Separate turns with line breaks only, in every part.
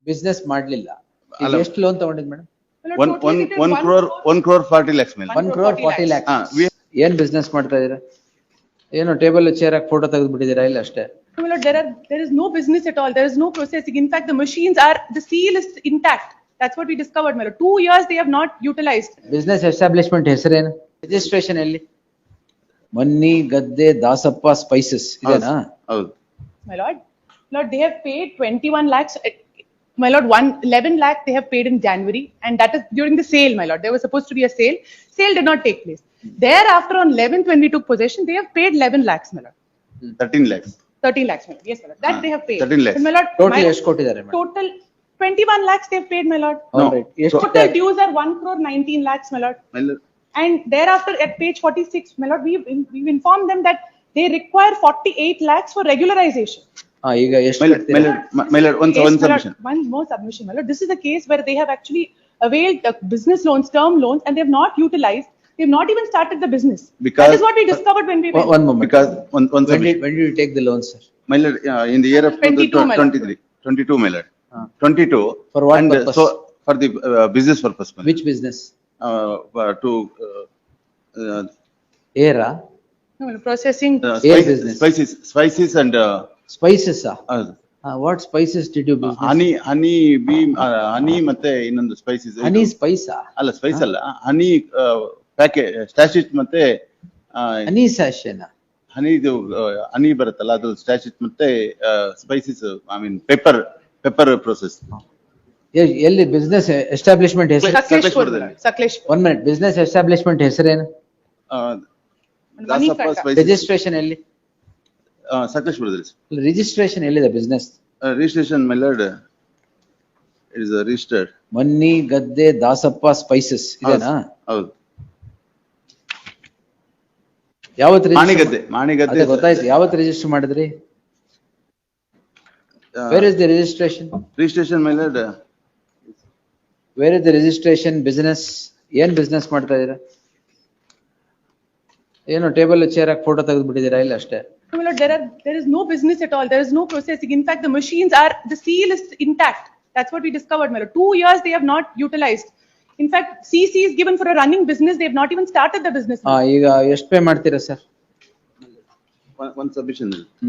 Business ಮಾಡ್ಲಿಲ್ಲ. ಈಗ
ಅಲ್ಲ.
ಎಷ್ಟು ಲೋನ್ ತಗೊಂಡಿದ್ ಮೇಡಮ್?
one crore 40 lakhs ಮೇಲೆ.
1 crore 40 lakhs. ಏನ್ ಬಿಸ್ನೆಸ್ ಮಾಡ್ತಾ ಇದೀರಾ? ಏನು ಟೇಬಲ್ ಚೇರ್ ಹಾಕಿ ಫೋಟೋ ತೆಗೆದ್ಬಿಟ್ಟಿದ್ದೀರಾ? ಇಲ್ಲ ಅಷ್ಟೇ.
My lord, there is no business at all. There is no processing. In fact, the machines are, the seal is intact. That's what we discovered, my lord. 2 years they have not utilized.
Business establishment ಹೆಸರೇನು? Registration ಎಲ್ಲಿ? ಮನ್ನಿ ಗದ್ದೆ Dasappa spices ಇದೆನಾ?
ಹೌದು.
My lord, they have paid 21 lakhs. My lord, 11 lakh they have paid in January, and that is during the sale, my lord. There was supposed to be a sale. Sale did not take place. Thereafter, on 11th, when we took possession, they have paid 11 lakhs, my lord.
13 lakhs.
13 lakhs, my lord. Yes, my lord. That they have paid.
13 lakhs.
And my lord,
total ಎಷ್ಟು ಕೊಟ್ಟಿದ್ದಾರೆ madam?
total 21 lakhs they have paid, my lord.
No.
Alright. ಎಷ್ಟು
Total dues are 1 crore 19 lakhs, my lord.
My lord,
And thereafter, at page 46, my lord, we've informed them that they require 48 lakhs for regularization.
ಈಗ ಎಷ್ಟು
my lord,
ಕಟ್ತೀರಾ?
my lord, one
Yes, my lord,
submission.
one more submission, my lord. This is a case where they have actually availed business loans, term loans, and they have not utilized. They have not even started the business.
Because-
that is what we discovered when we went.
One moment.
Because one
When
submission.
did you take the loan, sir?
My lord, in the year of
22, my lord.
22, my lord. 22.
For what
and
purpose?
So for the business purpose, my lord.
Which business?
To
ಏರಾ?
No, my lord, processing.
Air business.
spices and
spices? What spices did you business?
Honey bee honey ಮತ್ತೆ ಇನ್ನೊಂದು spices.
ಹನಿ ಸ್ಪೈಸಾ?
ಅಲ್ಲ Spice ಅಲ್ಲ, ಹನಿ packet ಸ್ಟಾಚಿಟ್ ಮತ್ತೆ
ಹನಿ ಸ್ಯಾಶೇನಾ?
ಹನಿದು ಹನಿ ಬರುತ್ತಲ್ಲ ಅದು ಸ್ಟಾಚಿಟ್ ಮತ್ತೆ spices, I mean pepper process.
ಎಲ್ಲಿ ಬಿಸ್ನೆಸ್ ಎಸ್ಟಾಬ್ಲಿಷ್ಮೆಂಟ್ ಹೆಸರು?
Sakleshpur, my lord. Sakleshpur.
1 minute. Business establishment ಹೆಸರೇನು?
Money front.
ರಿಜಿಸ್ಟ್ರೇಷನ್ ಎಲ್ಲಿ?
ಸಕಲೇಶ್ಪುರದಲ್ಲಿ.
ರಿಜಿಸ್ಟ್ರೇಷನ್ ಎಲ್ಲಿದೆ business?
Registration my lord, it is registered.
ಮನ್ನಿ ಗದ್ದೆ ದಾಸಪ್ಪ ಸ್ಪೈಸಸ್ ಇದೆನಾ?
ಹೌದು.
ಯಾವತ್ತು
ಮಾಣಿಗದ್ದೆ
ಗೊತ್ತಾಯ್ತು. ಯಾವತ್ತು ರಿಜಿಸ್ಟರ್ ಮಾಡಿದ್ರಿ? Where is the registration?
Registration my lord,
where is the registration? Business ಏನ್ ಬಿಸ್ನೆಸ್ ಮಾಡ್ತಾ ಇದೀರಾ? ಏನು ಟೇಬಲ್ ಚೇರ್ ಹಾಕಿ ಫೋಟೋ ತೆಗೆದ್ಬಿಟ್ಟಿದ್ದೀರಾ? ಇಲ್ಲ ಅಷ್ಟೇ.
No, my lord, there is no business at all. There is no processing. In fact, the machines are, the seal is intact. That's what we discovered, my lord. 2 years they have not utilized. In fact, CC is given for a running business. They have not even started the business.
ಈಗ ಎಷ್ಟು pay ಮಾಡ್ತೀರಾ sir?
one submission.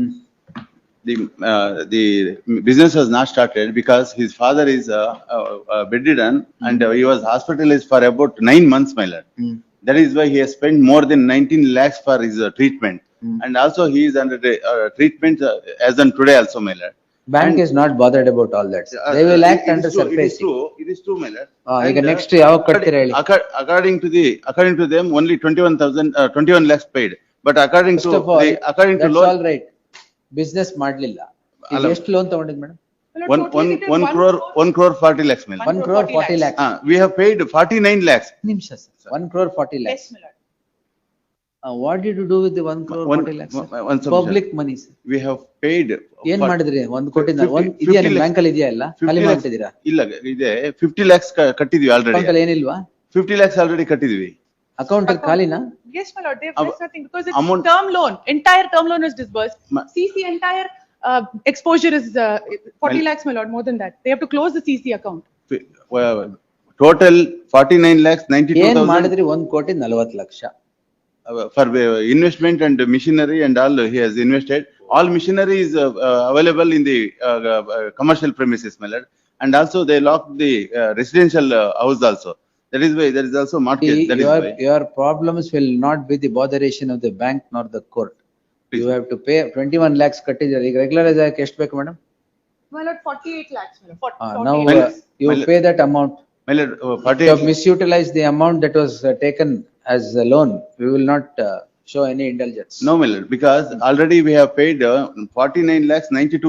The business was not started because his father is bedridden and he was hospitalized for about 9 months, my lord. That is why he has spent more than 19 lakhs for his treatment. And also he is under treatment as on today also, my lord.
Bank is not bothered about all that. They will act under surface.
It is true, my lord.
ಈಗ next ಯಾವಾಗ ಕಟ್ತೀರಾ ಹೇಳಿ?
According to them, only 21 lakhs paid. But according to
that's
law,
all right. Business ಮಾಡ್ಲಿಲ್ಲ. ಈಗ
ಅಲ್ಲ.
ಎಷ್ಟು loan ತಗೊಂಡಿದ್ madam?
My lord, totally they did
1 crore 40 lakhs, my lord.
1 crore 40 lakhs.
We have paid 49 lakhs.
ನಿಮಿಷ sir. 1 crore 40
Yes,
lakhs.
my lord.
What did you do with the 1 crore 40 lakhs?
One submission.
Public money sir.
We have paid.
ಏನ್ ಮಾಡಿದ್ರಿ? 1 ಕೋಟಿ
50
ಇದೆಯಾ ನಿಮ್
lakhs.
Bank ಅಲ್ಲಿ ಇದೆಯಾ? ಇಲ್ಲ ಖಾಲಿ
50 lakhs.
ಮಾಡ್ತಿದ್ದೀರಾ?
ಇಲ್ಲ ಇದೆ 50 lakhs ಕಟ್ಟಿದ್ವಿ
ಅಕೌಂಟ್
ಆಲ್ರೆಡಿ.
ಅಲ್ಲಿ ಏನಿಲ್ವಾ?
50 lakhs ಆಲ್ರೆಡಿ ಕಟ್ಟಿದ್ವಿ.
ಅಕೌಂಟ್ ಅಲ್ಲಿ ಖಾಲಿನಾ?
Yes, my lord. There's nothing because it's
amount-
term loan. Entire term loan is disbursed.
Ma-
CC entire exposure is 40 lakhs, my lord. More than that, they have to close the CC account.
Total 49 lakhs
ಏನ್
92,000
ಮಾಡಿದ್ರಿ? 1 ಕೋಟಿ 40 lakh.
for investment and machinery and all he has invested. All machinery is available in the commercial premises, my lord. And also they locked the residential house also. That is why there is also mortgage. That is why.
Your problems will not be the botheration of the bank nor the court. You have to pay 21 lakhs ಕಟ್ಟಿದ್ದೀರಾ. ಈಗ regularise ಆಗಕ್ಕೆ ಎಷ್ಟು ಬೇಕು madam?
My lord, 48 lakhs, my lord. 48
Now
lakhs.
you
my lord-
pay that amount.
My lord,
You
48
have misutilized the amount that was taken as a loan. We will not show any indulgence.
No, my lord, because already we have paid 49 lakhs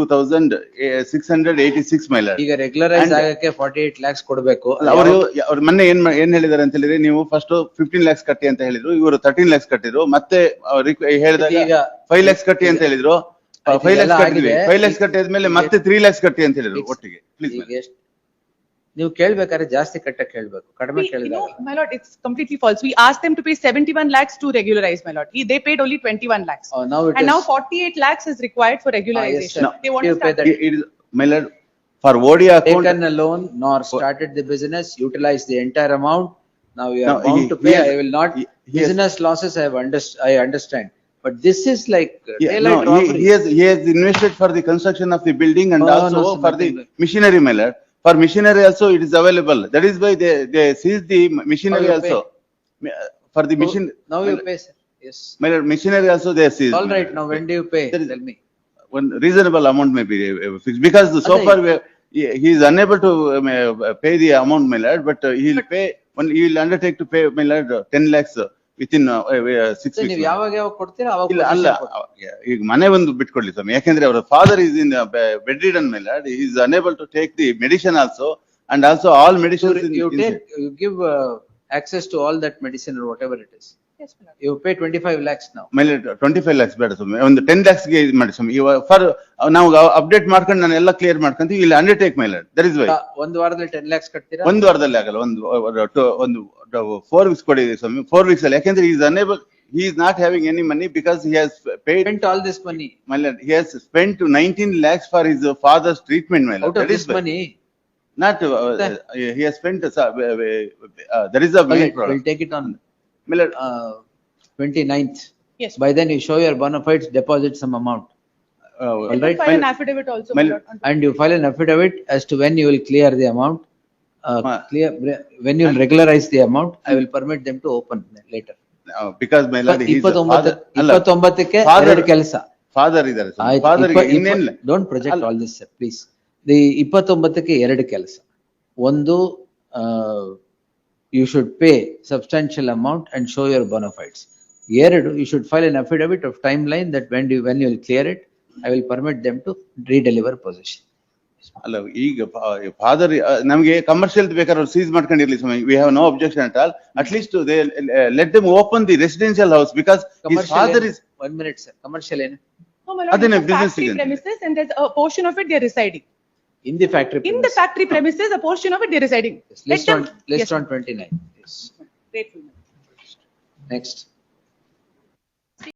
92,686, my lord.
ಈಗ regularise
And-
ಆಗಕ್ಕೆ 48 lakhs ಕೊಡಬೇಕು.
ಅವರು ಮೊನ್ನೆ ಏನ್ ಹೇಳಿದಾರೆ ಅಂತ ಹೇಳಿದ್ರೆ, ನೀವು ಫಸ್ಟ್ 15 lakhs ಕಟ್ಟಿ ಅಂತ ಹೇಳಿದ್ರು, ಇವರು 13 lakhs ಕಟ್ಟಿದ್ರು. ಮತ್ತೆ ಹೇಳಿದಾಗ
ಈಗ
5 lakhs ಕಟ್ಟಿ ಅಂತ ಹೇಳಿದ್ರು. 5 lakhs ಕಟ್ಟಿದ್ವಿ.
ಆಗಿದೆ.
5 lakhs ಕಟ್ಟಿದ್ಮೇಲೆ ಮತ್ತೆ 3 lakhs ಕಟ್ಟಿ ಅಂತ ಹೇಳಿದ್ರು ಒಟ್ಟಿಗೆ. Please,
ಈಗ ಎಷ್ಟು ನೀವು ಕೇಳ್ಬೇಕಾದ್ರೆ ಜಾಸ್ತಿ ಕಟ್ಟಕ್ಕೆ ಹೇಳ್ಬೇಕು, ಕಡಿಮೆ
You
ಕೇಳಿದಾಗ.
know, my lord, it's completely false. We asked them to pay 71 lakhs to regularize, my lord. They paid only 21 lakhs.
Now it
And
is.
now 48 lakhs is required for regularization.
sir.
They want
You
to
pay
start.
that.
It is, my lord, For OD account.
taken a loan nor started the business, utilized the entire amount. Now you are
No,
bound
he-
to pay.
he has-
I will not,
he has-
business losses I understand. But this is like
Yeah,
daylight
no,
robbery.
he has invested for the construction of the building and
No, no,
also
sir,
for the
nothing like-
machinery, my lord. For machinery also it is available. That is why they seized the machinery
you
also. For the machine.
Now you pay, sir. Yes.
My lord, machinery also they seized.
All
my
right,
lord.
now when do you pay?
There is-
Tell me.
One reasonable amount may be fixed, because so
Adhe.
far he is unable to pay the amount, my lord, but he will pay, when he will undertake to pay, my lord, 10 lakhs within 6
sir,
weeks.
ನೀವು ಯಾವಾಗ ಕೊಡ್ತೀರಾ ಅವಾಗ
ಇಲ್ಲ ಅಲ್ಲ,
position ಕೊಡಿ.
ಈಗ ಮನೆ ಒಂದು ಬಿಟ್ಕೊಡ್ಲಿ ಸ್ವಾಮಿ, ಯಾಕೆಂದ್ರೆ ಅವರ father is in bedridden, my lord, he is unable to take the medicine also, and also all medicines
You take, you give access to all that medicine or whatever it is.
Yes, my lord.
You pay 25 lakhs now.
ಮೇಲೆ 25 lakhs ಬೇಡ ಸ್ವಾಮಿ, ಒಂದು 10 lakhs ಗೆ ಇದು ಮಾಡಿ ಸ್ವಾಮಿ. ಇವಾಗ for ನಾವು update ಮಾಡ್ಕೊಂಡು ನಾನು ಎಲ್ಲ ಕ್ಲಿಯರ್ ಮಾಡ್ಕೊಂತೀವಿ, ಇಲ್ಲಿ undertake, my lord, that is why.
ಒಂದು ವಾರದಲ್ಲಿ 10 lakhs ಕಟ್ತೀರಾ?
ಒಂದು ವಾರದಲ್ಲಿ ಆಗಲ್ಲ, ಒಂದು 4 weeks ಕೊಡಿ ಸ್ವಾಮಿ, 4 weeks ಅಲ್ಲಿ, ಯಾಕೆಂದ್ರೆ he is unable, he is not having any money because he has paid,
Spent all this money.
my lord, he has spent 19 lakhs for his father's treatment, my lord.
Out of
That is
this
why.
money,
Not, he has spent, that is the main problem.
we'll take it on
My lord,
29th.
Yes.
By then you show your bona fides, deposit some amount.
uh,
You
right,
can file an
my-
affidavit also,
my
my
lord.
lord.
And you file an affidavit as to when you will clear the amount.
Ma-
When you will regularize the amount, I will permit them to open later.
because my lord, he is a father. ಅಲ್ಲ,
29ಕ್ಕೆ
Father-
ಎರಡು ಕೆಲಸ.
father ಇದ್ದಾರೆ ಸ್ವಾಮಿ.
ಆಯ್ತು,
father ಗೆ ಇನ್ನೇನಿಲ್ಲ.
Don't project
ಅಲ್ಲ.
All this sir, please. The 29ಕ್ಕೆ ಎರಡು ಕೆಲಸ. ಒಂದು, you should pay substantial amount and show your bona fides. ಎರಡು, you should file an affidavit of timeline that when you will clear it, I will permit them to redeliver possession.
ಅಲ್ಲ, ಈಗ father ನಮಗೆ commercial ಬೇಕಾದ್ರೆ seize ಮಾಡ್ಕೊಂಡಿರ್ಲಿ ಸ್ವಾಮಿ, we have no objection at all. At least they let them open the residential house, because his
Commercial
father is.
1 minute sir, commercial ಏನು?
No, my lord,
Adhine
it's a
business
factory
again.
premises and there's a portion of it they are residing.
In the factory.
In the factory premises, a portion of it they are residing. Let
List
them.
on, list
Yes,
on 29. Yes.
grateful.
Next.